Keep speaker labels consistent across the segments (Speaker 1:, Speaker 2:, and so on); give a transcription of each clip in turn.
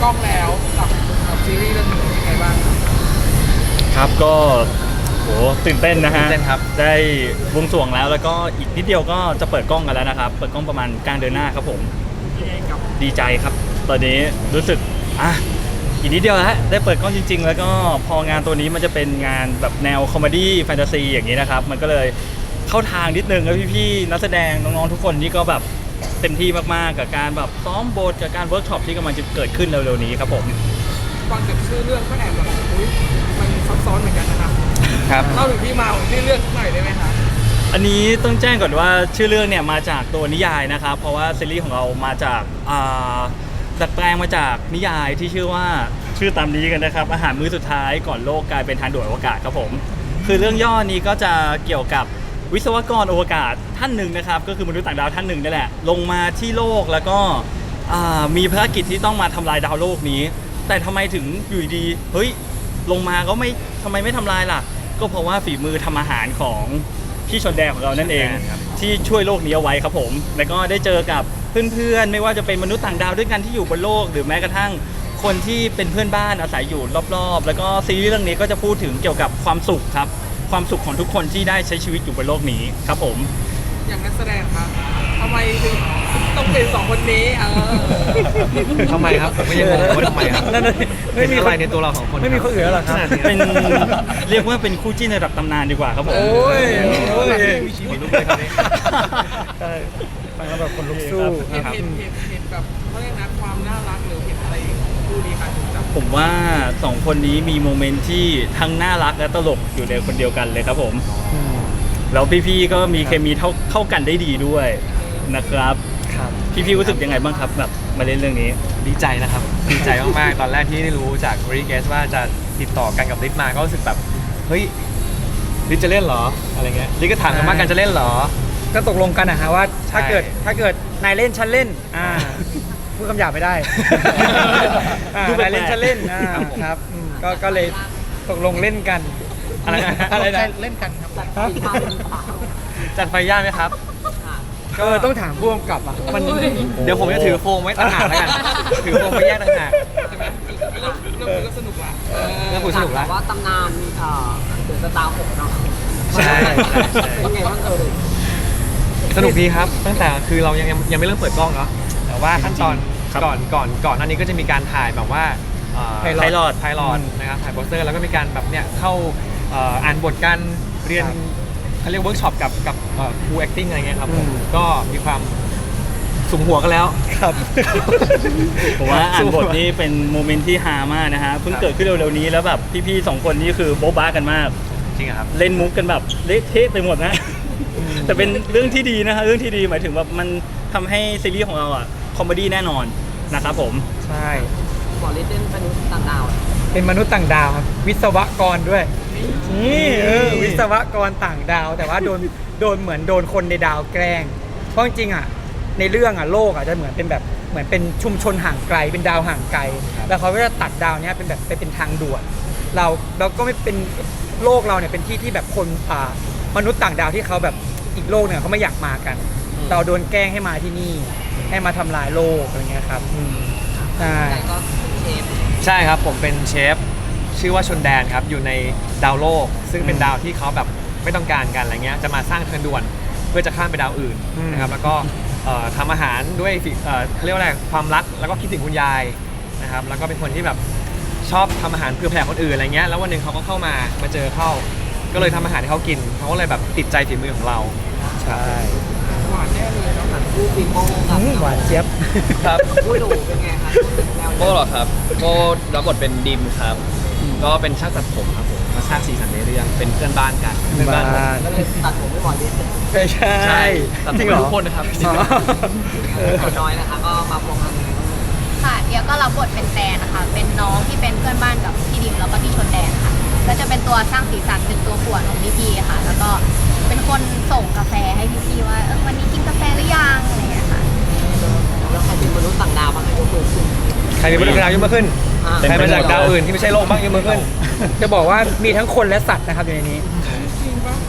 Speaker 1: กล้องแล้วกับซีรีส์เรื่องนี้เป็นยังไงบ้าง
Speaker 2: ครับก็โหตื่นเต้นนะฮะ
Speaker 3: ตื่นเต้นครับ
Speaker 2: ได้บวงสรวงแล้วก็อีกนิดเดียวก็จะเปิดกล้องกันแล้วนะครับเปิดกล้องประมาณกลางเดือนหน้าครับผมดีใจครับ ตอนนี้รู้สึกอีกนิดเดียวแล้วได้เปิดกล้องจริงๆแล้วก็พองานตัวนี้มันจะเป็นงานแบบแนวคอมเมดี้แฟนตาซีอย่างนี้นะครับมันก็เลยเข้าทางนิดนึงแล้วพี่ๆนักแสดงน้องๆทุกคนนี่ก็แบบเต็มที่มากๆกับการแบบซ้อมบทกับการเวิร์กช็อปที่กำลังจะเกิดขึ้นเร็วๆนี้ครับผม
Speaker 1: ฟังจากชื่อเรื่องก็แอบแบบอุ้ยมันซับซ้อนเหมือนกันนะครับ
Speaker 3: ครับ
Speaker 1: เล่าถึงที่มาของชื่อเรื่องหน่อยได้ไหมคะ
Speaker 2: อันนี้ต้องแจ้งก่อนว่าชื่อเรื่องเนี่ยมาจากตัวนิยายนะครับเพราะว่าซีรีส์ของเรามาจากดัดแปลงมาจากนิยายที่ชื่อว่าชื่อตามนี้กันนะครับอาหารมื้อสุดท้ายก่อนโลกกลายเป็นทางด่วนอวกาศครับผมคือเรื่องย่อนี้ก็จะเกี่ยวกับวิศวกรอวกาศท่านหนึ่งนะครับก็คือมนุษย์ต่างดาวท่านหนึ่งนี่แหละลงมาที่โลกแล้วก็มีภารกิจที่ต้องมาทำลายดาวโลกนี้แต่ทำไมถึงอยู่ดีเฮ้ยลงมาก็ไม่ทำไมไม่ทำลายล่ะก็เพราะว่าฝีมือทำอาหารของพี่ชนแดงของเรานั่นเองที่ช่วยโลกนี้เอาไว้ครับผมแล้วก็ได้เจอกับเพื่อนๆไม่ว่าจะเป็นมนุษย์ต่างดาวด้วยกันที่อยู่บนโลกหรือแม้กระทั่งคนที่เป็นเพื่อนบ้านอาศัยอยู่รอบๆแล้วก็ซีรีส์เรื่องนี้ก็จะพูดถึงเกี่ยวกับความสุขครับความสุขของทุกคนที่ได้ใช้ชีวิตอยู่บนโลกนี้ครับผม
Speaker 1: อย่างนักแสดงครับทำไมถึงต้องเป็นสองคนนี้
Speaker 3: ทำไมครับผมก็ยังงงว่าทำไมครับ
Speaker 2: นั่นเลย
Speaker 3: ไม่มีอะไรในตัวเราของคน
Speaker 4: ไม่มีคนอื่นแล้วเหรอครับ
Speaker 2: เป็นเรียกว่าเป็นคู่จิ้นระดับตำนานดีกว่าครับผม
Speaker 4: โอ้ย
Speaker 3: มีชีวิตลุกเลยครับ
Speaker 4: ใช่ฟังแล้วแบบคนลุกสู้
Speaker 1: เห็นแบบเขาเรียกนะความน่ารักหรือเห็นอะไรของคู่นี้ครับถึงจับ
Speaker 2: ผมว่าสองคนนี้มีโมเมนต์ที่ทั้งน่ารักและตลกอยู่ในคนเดียวกันเลยครับผมแล้วพี่ๆก็มีเคมีเข้ากันได้ดีด้วยนะครับ
Speaker 4: ครับ
Speaker 2: พี่ๆรู้สึกยังไงบ้างครับแบบมาเล่นเรื่องนี้
Speaker 3: ดีใจนะครับ ดีใจมากๆ ตอนแรกที่ได้รู้จากบริเกสว่าจะติดต่อกันกับลิศมาก็รู้สึกแบบเฮ้ยลิศจะเล่นเหรออะไรเงี้ยลิศก็ถามกันว่ากันจะเล่นเหรอ
Speaker 4: ก็ตกลงกันนะฮะว่าถ้า
Speaker 3: ใช่
Speaker 4: เกิดนายเล่นฉันเล่นพูดคำหยาบไม่ได้
Speaker 2: ดูแปลกๆ
Speaker 4: นายเล่นฉันเล่นครับก็เลยตกลงเล่นกัน
Speaker 3: อะไรนะ
Speaker 4: อะไรนะ
Speaker 1: เล่นกันครับ
Speaker 3: จัดไฟย่าไหมครับ
Speaker 4: ก็ต้องถามผู้กำกับอ่ะมัน
Speaker 3: เดี๋ยวผมจะถือโฟมไว้ต่างหากแล้วกัน ถือโฟมไปแยกต่างหาก
Speaker 1: ใช่ไหมเรื่องนี้ก็สนุกละ
Speaker 3: เรื่องคุยสนุกละ
Speaker 5: ว่าตำนานเดือดสตาร์หกเนาะ
Speaker 3: ใช่
Speaker 5: เป็นไงบ้าง
Speaker 3: สนุกดีครับ ตั้งแต่คือเรายังไม่เริ่มเปิดกล้องเนาะแต่ว่าขั้นตอน
Speaker 2: ครับ
Speaker 3: ก่อนหน้านี้ก็จะมีการถ่ายแบบว่า
Speaker 2: ไพลอต
Speaker 3: ไพลอตนะครับถ่ายโปสเตอร์แล้วก็มีการแบบเนี่ยเข้าอ่านบทกันเรียนเขาเรียกเวิร์กช็อปกับครู acting อะไรเงี้ยครับผมก็มีความสุมหัวกันแล้ว
Speaker 4: ครับ
Speaker 2: ผมว่าอ่านบทนี้เป็นโมเมนต์ที่ฮามากนะฮะเพิ่งเกิดขึ้นเร็วๆนี้แล้วแบบพี่ๆสองคนนี้คือโบ๊ะบ้ากันมาก
Speaker 3: จริงอะครับ
Speaker 2: เล่นมุกกันแบบเละเทะไปหมดนะ แต่เป็นเรื่องที่ดีนะฮะเรื่องที่ดีหมายถึงว่ามันทำให้ซีรีส์ของเราอะคอมเมดี้แน่นอนนะครับผม
Speaker 4: ใช่
Speaker 5: บอลเลนเต้นเป็นต่างดาว
Speaker 4: เป็นมนุษย์ต่างดาวครับวิศวกรด้วยนี่วิศวกรต่างดาว แต่ว่าโดนเหมือนโดนคนในดาวแกล้งเพราะจริงๆอ่ะในเรื่องอ่ะโลกอ่ะจะเหมือนเป็นแบบเหมือนเป็นชุมชนห่างไกลเป็นดาวห่างไกล แล้วเขาก็จะตัดดาวเนี้ยเป็นแบบไปเป็นทางด่วนเราก็ไม่เป็นโลกเราเนี่ยเป็นที่ที่แบบคนมนุษย์ต่างดาวที่เขาแบบอีกโลกเนี่ยเขาไม่อยากมากัน เราโดนแกล้งให้มาที่นี่ให้มาทำลายโลกอะไรเงี้ยครับใช่
Speaker 5: แต่ก็เชฟ
Speaker 3: ใช่ครับผมเป็นเชฟชื่อว่าชนแดนครับอยู่ในดาวโลก ซึ่งเป็นดาวที่เขาแบบไม่ต้องการกันอะไรเงี้ยจะมาสร้างเทินด่วนเพื่อจะข้ามไปดาวอื่นนะครับแล้วก็ทำอาหารด้วยเขาเรียกว่าอะไรความรักแล้วก็คิดถึงคุณยายนะครับแล้วก็เป็นคนที่แบบชอบทำอาหารเพื่อแผ่คนอื่นอะไรเงี้ยแล้ววันหนึ่งเขาก็เข้ามาเจอเข้าก็เลยทำอาหารให้เขากินเขาก็เลยแบบติดใจฝีมือของเรา
Speaker 4: ใช่
Speaker 1: หวานแน่เลยเนาะ
Speaker 5: คู่ปีโป้กับ
Speaker 4: หวานเจี๊ยบ
Speaker 3: ครับ
Speaker 5: คู่ดูเป็นไงคะแนว
Speaker 6: โก้เหรอครับโก้รับบทเป็นดิมครับ ก็เป็นช่างตัดผมครับผมมาสร้างสีสันในเรื่องเป็นเพื่อนบ้านกันเพื่อนบ้าน
Speaker 5: ก็เลยตัดผมไม่บอลเลน
Speaker 4: ไม่ใช่
Speaker 6: ใช่ตัด
Speaker 4: จ
Speaker 6: ผ
Speaker 4: ริ
Speaker 6: ม
Speaker 4: งเหรอ
Speaker 6: ทุกคนนะครับ
Speaker 4: อ๋อ
Speaker 5: น้อยนะคะก็มาพวงกัน
Speaker 7: ค่ะเดียวก็รับบทเป็นแตนนะคะ เป็นน้องที่เป็นเพื่อนบ้านกับพี่ดิมแล้วก็พี่ชนแดนค่ะ ก็จะเป็นตัวสร้างสีสันเป็นตัวป่วนของพี่ๆค่ะ แล้วก็เป็นคนส่งกาแฟให้พี่ๆว่าวันนี้กินกาแฟหรือยังอะไรอย่างเงี้ยค่ะ
Speaker 5: แล้วใครเป็นมนุษย์ต่างดาวบ้างคะยกมือขึ้น
Speaker 3: ใครเป็นมนุษย์ดาวยกมือขึ้น
Speaker 2: เป็น
Speaker 3: ใคร
Speaker 2: ไป
Speaker 3: มา
Speaker 2: ได้
Speaker 3: จากดาวอื่นที่ไม่ใช่โลกบ้างยกมือขึ้น
Speaker 4: จะบอกว่ามีทั้งคนและสัตว์นะครับอยู่ในนี้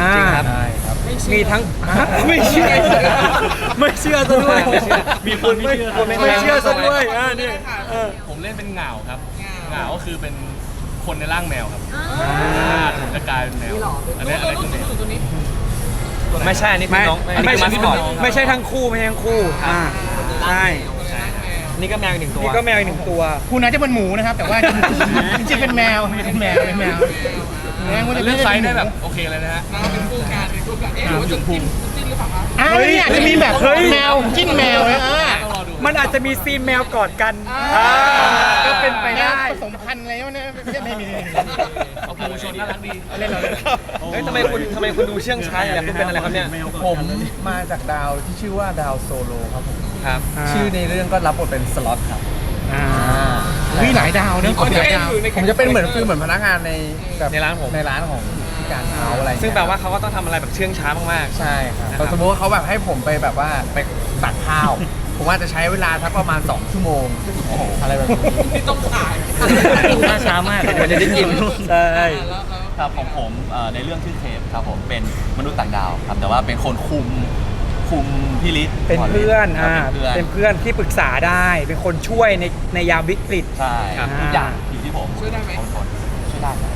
Speaker 3: จริงครับ
Speaker 4: มีทั้งไม่เชื่อไม่เชื่อซะด้วย
Speaker 2: มีคนไม่เชื่อ
Speaker 4: ไม่เชื่อซะด้วยนี่
Speaker 6: ผมเล่นเป็นเหงาครับเหงาก็คือเป็นคนในร่างแมวครับผมจะกลายเป็นแมวอันนี้คือแมว
Speaker 1: ตัวนี้
Speaker 3: ไม่ใช่อันนี้คือน้องอันนี้คือมาสคอต
Speaker 4: ไม่ใช่ทั้งคู่ใช่
Speaker 3: นี่ก็แมวอีกหนึ่งตัว
Speaker 4: นี่ก็แมวอีกหนึ่งตัว
Speaker 8: คุณน่าจะเป็นหมูนะครับ แต่ว่าจริงๆเป็นแมวเป็นแมว
Speaker 6: เรื่องไซส์ได้แบบโอเคเลยนะฮะ
Speaker 1: น้องเป็นคู่กันเป็นคู่กันเอ๊ะหรือว่าจะจิ้นหรือเปล่าคะ
Speaker 8: อ้าวเนี่ยจะมีแบบแมวจิ้นแมวนะ
Speaker 6: ต้องรอดู
Speaker 4: มันอาจจะมีซีนแมวกอดกันก็เป็นไปได้
Speaker 8: ผสมพันธุ์อะไรวะเนี่ยไม่มี
Speaker 6: เอาปูชนน่ารักดี
Speaker 8: เล่นเราเล่น
Speaker 3: เฮ้ยทำไมคุณดูเชื่องช้าอย่างคุณเป็นอะไรครับเนี่ย
Speaker 9: ผมมาจากดาวที่ชื่อว่าดาวโซโลครับผม
Speaker 3: ครับ
Speaker 9: ชื่อในเรื่องก็รับบทเป็นสล็อตครับ
Speaker 8: มีหลายดาวนะหลายดาว
Speaker 9: ผมจะเป็นเหมือนพนักงานในแบบ
Speaker 3: ในร้านผม
Speaker 9: ในร้านของที่การเขาอะไรเย
Speaker 3: ซึ่งแปลว่าเขาก็ต้องทำอะไรแบบเชื่องช้ามากๆ
Speaker 9: ใช่ครับ
Speaker 3: นะครับ
Speaker 9: สมมติว่าเขาแบบให้ผมไปแบบว่าไปตักข้าว ผมว่าจะใช้เวลาทักประมาณ2 ชั่วโมงอะไรแบบนี้
Speaker 1: ที่ต้องขาย
Speaker 2: น่าช้ามาก
Speaker 3: เดี๋ยวจะได้กิน
Speaker 4: ใช่
Speaker 1: แล้ว
Speaker 10: ครับของผมในเรื่องชื่อเทปครับผมเป็นมนุษย์ต่างดาวครับแต่ว่าเป็นคนคุมพี่ลิศ
Speaker 4: เป็นเพื่อน
Speaker 10: ครับเป็นเพื่อน
Speaker 4: เป็นเพื่อนที่ปรึกษาได้ เป็นคนช่วยในยามวิกฤต
Speaker 10: ใช่
Speaker 4: ครับ
Speaker 10: ทุกอย่างอยู่ที่ผม
Speaker 1: ช่วยได้ไหม
Speaker 10: ผมคนช่วยได้ครับ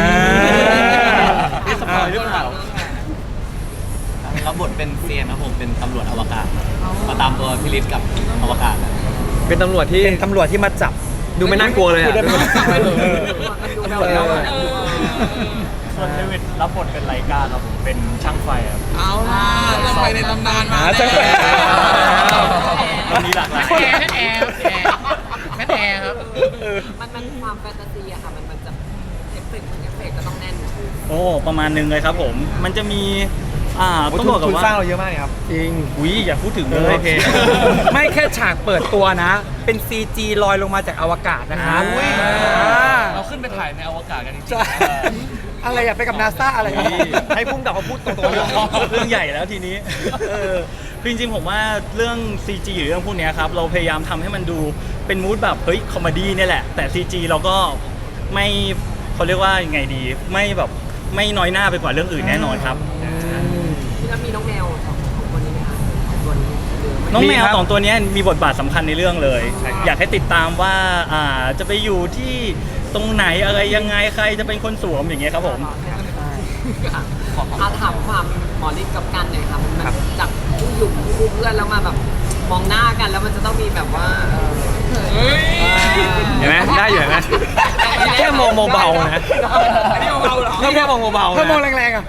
Speaker 2: นี่สปอยหรือเปล่า
Speaker 10: รับบทเป็นเซียนครับผมเป็นตำรวจอวกาศมาตามตัวพี่ลิศกับอวกาศนะ
Speaker 3: เป็นตำรวจที่
Speaker 4: เป็นตำรวจที่มาจับ
Speaker 3: ดูไม่น่ากลัวเลยอ่ะ
Speaker 5: มันดูแบบ
Speaker 2: ส่วนเดวิดรับบทเป็นไลกาครับผมเป็นช่างไฟครับ
Speaker 1: เอาล่ะจะไปในตำนานมา
Speaker 4: จังเลย
Speaker 2: มันมีหลากหลาย
Speaker 8: นั่นแอร์ครับ
Speaker 5: มันความแฟนตาซีอะค่ะมันจะเอฟเฟกต์ก็ต้องแน่น
Speaker 2: โอ้ประมาณนึงเลยครับผม มันจะมีต้องบอกกับ
Speaker 3: คุณ
Speaker 2: ว่า
Speaker 3: สร้างเราเยอะมากเลยครับ
Speaker 4: จริง
Speaker 2: อุ้ยอย่าพูดถึงเลย
Speaker 3: โอเค
Speaker 4: ไม่แค่ฉากเปิดตัวนะ เป็น CG ลอยลงมาจากอวกาศนะครับ
Speaker 6: เราขึ้นไปถ่ายในอวกาศกันจริง
Speaker 4: ใช่อะไรอะไปกับนาซาอะไร
Speaker 3: ให้พุ่งกับเขาพูดตรงๆ
Speaker 2: เรื่องใหญ่แล้วทีนี้คือจริงๆผมว่าเรื่อง CG หรือเรื่องพวกเนี้ยครับเราพยายามทำให้มันดูเป็นมูดแบบเฮ้ยคอมเมดี้เนี่ยแหละ แต่ CG เราก็ไม่เขาเรียกว่ายังไงดี ไม่แบบไม่น้อยหน้าไปกว่าเรื่องอื่นแน่นอนครับ
Speaker 5: ที่แล้วมีน้องแมวของคนนี้ไหมคะของตัวนี้หรือไม่
Speaker 2: น้องแมว
Speaker 3: มีครับ
Speaker 2: สองตัวเนี้ยมีบทบาทสำคัญในเรื่องเลย อยากให้ติดตามว่าจะไปอยู่ที่ตรงไหนอะไรยังไงใครจะเป็นคนสวมอย่างเงี้ยครับผม
Speaker 5: ถามความหมอฤทธิ์กับกันหน่อยค่ะมันจากผู้หยุ่มคู่เพื่อนแล้วมาแบบมองหน้ากันแล้วมันจะต้องมีแบบว่า
Speaker 3: เห็นไหมได้อยู่เห็นไหมแค่มองเบาๆนะ
Speaker 1: อันนี้เบาๆเหรอ
Speaker 3: นี่แค่มองเบาๆ
Speaker 4: ถ้ามอง
Speaker 3: นะ
Speaker 4: แรงๆอ่ะ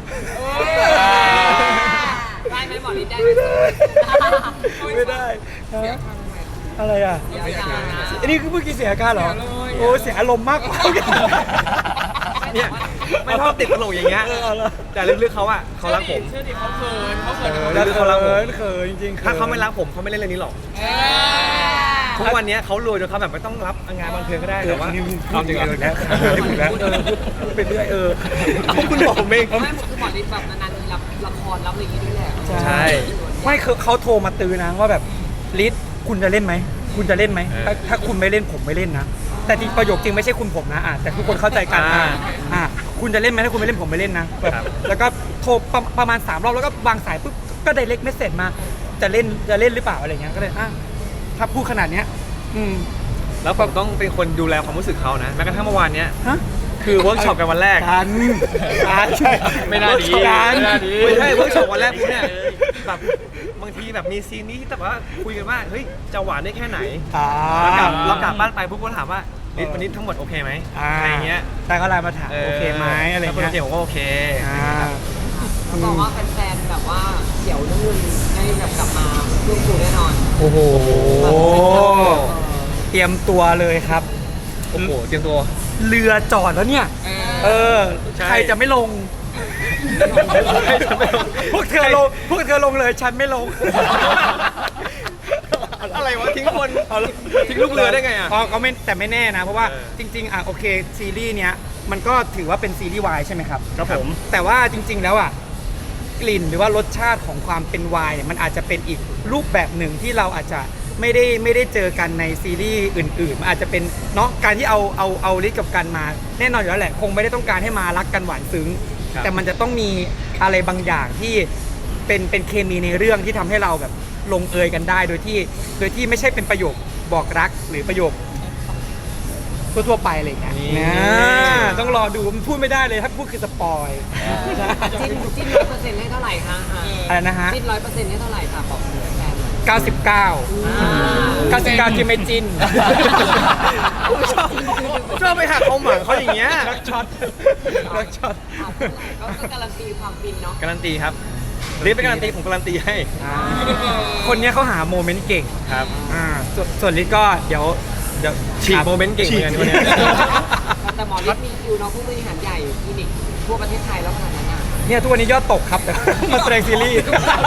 Speaker 5: ได้ไหมหมอฤทธิ์ได้ไหม
Speaker 4: ไม่ได้อะไรอ่ะ
Speaker 5: เสียการนะ
Speaker 4: อันนี้คือเมื่อกี้เสียอาการเหรอ โอ้เสียอารมณ์มากกว่า
Speaker 3: เนี่ยไม่ชอบติดตลกอย่างเงี้ยแต่ลึกๆเขาอ่ะเขารักผม
Speaker 1: เชื่อดิเขาเขินเขาเขิน
Speaker 3: แล้วเขารักผม
Speaker 4: เขินจริงๆ
Speaker 3: ถ้าเขาไม่รักผมเขาไม่เล่นเรื่องนี้หรอกทุกวันนี้เขารวยจนเขาแบบไม่ต้องรับงานบันเทิงก็ได้แต่ว่าความจริงแล้ว
Speaker 4: พูดไปเรื่อย
Speaker 3: เอาคุณบอกผมเอง
Speaker 5: ไม่คือหมอฤทธิ์แบบนานๆทีรับละครรับอะไรอย่างงี้ด้วยแหละ
Speaker 3: ใช่
Speaker 4: ไม่คือเขาโทรมาตือนะว่าแบบลิศคุณจะเล่นไหมคุณจะเล่นไหมถ้าคุณไม่เล่นผมไม่เล่นนะแต่จริงประโยคจริงไม่ใช่คุณผมนะแต่ทุกคนเข้าใจกันคุณจะเล่นไหมถ้าคุณไม่เล่นผมไม่เล่นนะแบบแล้วก็โทรประมาณ3 รอบแล้วก็วางสายปุ๊บก็ไดเรกเมสเซจมาจะเล่นหรือเปล่าอะไรเงี้ยก็เลยถ้าพูดขนาดเนี้ย
Speaker 3: แล้วผมต้องเป็นคนดูแลความรู้สึกเขานะแม้กระทั่งเมื่อวานเนี้ย
Speaker 4: ฮะ
Speaker 3: คือเวิร์กช็อปกันวันแรก
Speaker 4: กัน
Speaker 3: ไม่น่าดี
Speaker 4: กัน
Speaker 3: ไม่ใช่เวิร์กช็อปวันแรกปุ๊บเนี่ยแบบบางทีแบบมีซีนนี้ที่แบบว่าคุยกันว่าเฮ้ยจะหวานได้แค่ไหนเรากลับบ้านไปปุ๊บก็ถามว่าลิศวันนี้ทั้งหมดโอเคไหมอะไรเงี้ย
Speaker 4: แต่ก็ไลน์มาถามโอเคไหมอะไร
Speaker 3: ถ้าคน
Speaker 4: เงี้
Speaker 3: โอย เคผมก็โอเค
Speaker 5: เขาบอกว่าแฟนๆแบบว่าเกี่ยวเรื่องเงินได้แบบกลับมาเรื่องครูแน่นอน
Speaker 4: โอ้โหเตรียมตัวเลยครับ
Speaker 3: โอ้โหเตรียมตัว
Speaker 4: เรือจอดแล้วเนี่ย
Speaker 3: ใช่
Speaker 4: ใครจะไม่ลง พวกเธอลงเลยฉันไม่ลง
Speaker 3: อะไรวะทิ้งคนทิ้งลูกเรือได้ไงอ่ะ
Speaker 4: ก็ไม่แต่ไม่แน่นะ เพราะว่า
Speaker 3: เออ
Speaker 4: จริงๆโอเคซีรีส์เนี้ยมันก็ถือว่าเป็นซีรีส์วายใช่ไหมครับ
Speaker 2: ครับผม
Speaker 4: แต่ว่าจริง ๆแล้วกลิ่นหรือว่ารสชาติของความเป็นไวน์เนี่ยมันอาจจะเป็นอีกรูปแบบหนึ่งที่เราอาจจะไม่ได้เจอกันในซีรีส์อื่นๆมันอาจจะเป็นเนาะการที่เอาลิศกับกันมาแน่นอนอยู่แล้วแหละคงไม่ได้ต้องการให้มารักกันหวานซึ้งแต่มันจะต้องมีอะไรบางอย่างที่เป็นเคมีในเรื่องที่ทำให้เราแบบลงเอยกันได้โดยที่ไม่ใช่เป็นประโยคบอกรักหรือประโยคทั่วๆไปอะไรอย่างเงี้ยต้องรอดูมันพูดไม่ได้เลยถ้าพูดคือสปอย
Speaker 5: จิ้น100%ให้เท่าไหร่คะ
Speaker 4: อะไรนะฮะ
Speaker 5: จิ้น100%ให้เท่าไหร่ค่ะบอกแฟน
Speaker 4: 99 99ที่ไม่จิ้น
Speaker 3: ชอบไปหักความหวังเขาอย่างเงี้ย
Speaker 4: รักช็อต
Speaker 5: ก็การันตีความฟินเนาะ
Speaker 3: การันตีครับรีบไปการันตีผมการันตีให้
Speaker 4: คนเนี้ยเขาหาโมเมนต์เก่ง
Speaker 3: ครับ
Speaker 4: ส่วนลิศก็เดี๋ยว
Speaker 3: ฉีกโมเมนต์เก่งเหมือนกันคนเนี้ย
Speaker 5: แต่หมอฤทธิ์มีคิวเนาะผู้บริหารใหญ่คลินิกทั่วประเทศไทยแล้วขนาดนั้นอ่ะ
Speaker 4: เนี่ยทุกวันนี้ยอดตกครับแต่ มาแสดงซีรีส์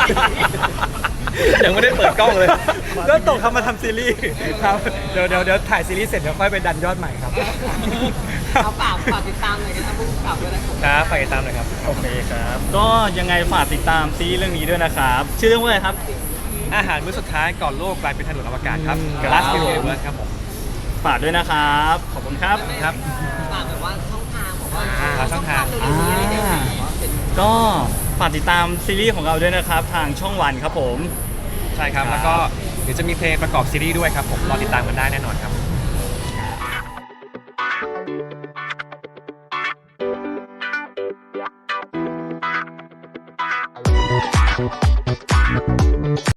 Speaker 3: ยังไม่ได้เปิดกล้องเลย
Speaker 4: ยอดตกครับมาทำซีรีส์ครับเดี๋ยวถ่ายซีรีส์เสร็จเดี๋ยวค่อยไปดันยอดใหม่ครับ
Speaker 5: เอาฝากติดตามหน่อยกันนะผู้กำกับด้วยนะครับ
Speaker 3: ครับฝากติดตามหน่อยครับ
Speaker 2: โอเคครับ ก็ยังไงฝากติดตามซีรีส์เรื่องนี้ด้วยนะครับ ชื่อเรื่องว่าอะไรครับ
Speaker 3: อาหารมื้อสุดท้ายก่อนโลกกลายเป็นถนนอวกาศครับ
Speaker 2: ครับ
Speaker 3: Last Universe ครับผม
Speaker 2: ฝากด้วยนะครับ ขอบคุณครับ
Speaker 3: ครับ
Speaker 5: ฝากแบบว่าช่องทางบอกว่า
Speaker 3: ช่องทาง
Speaker 5: เร็วๆนี้อะไรอย่างเงี้ยว่าเป็น
Speaker 2: ก็ฝากติดตามซีรีส์ของเราด้วยนะครับ ทางช่องวันครับผม
Speaker 3: ใช่ครับ แล้วก็เดี๋ยวจะมีเพลงประกอบซีรีส์ด้วยครับผม รอติดตามกันได้แน่นอนครับ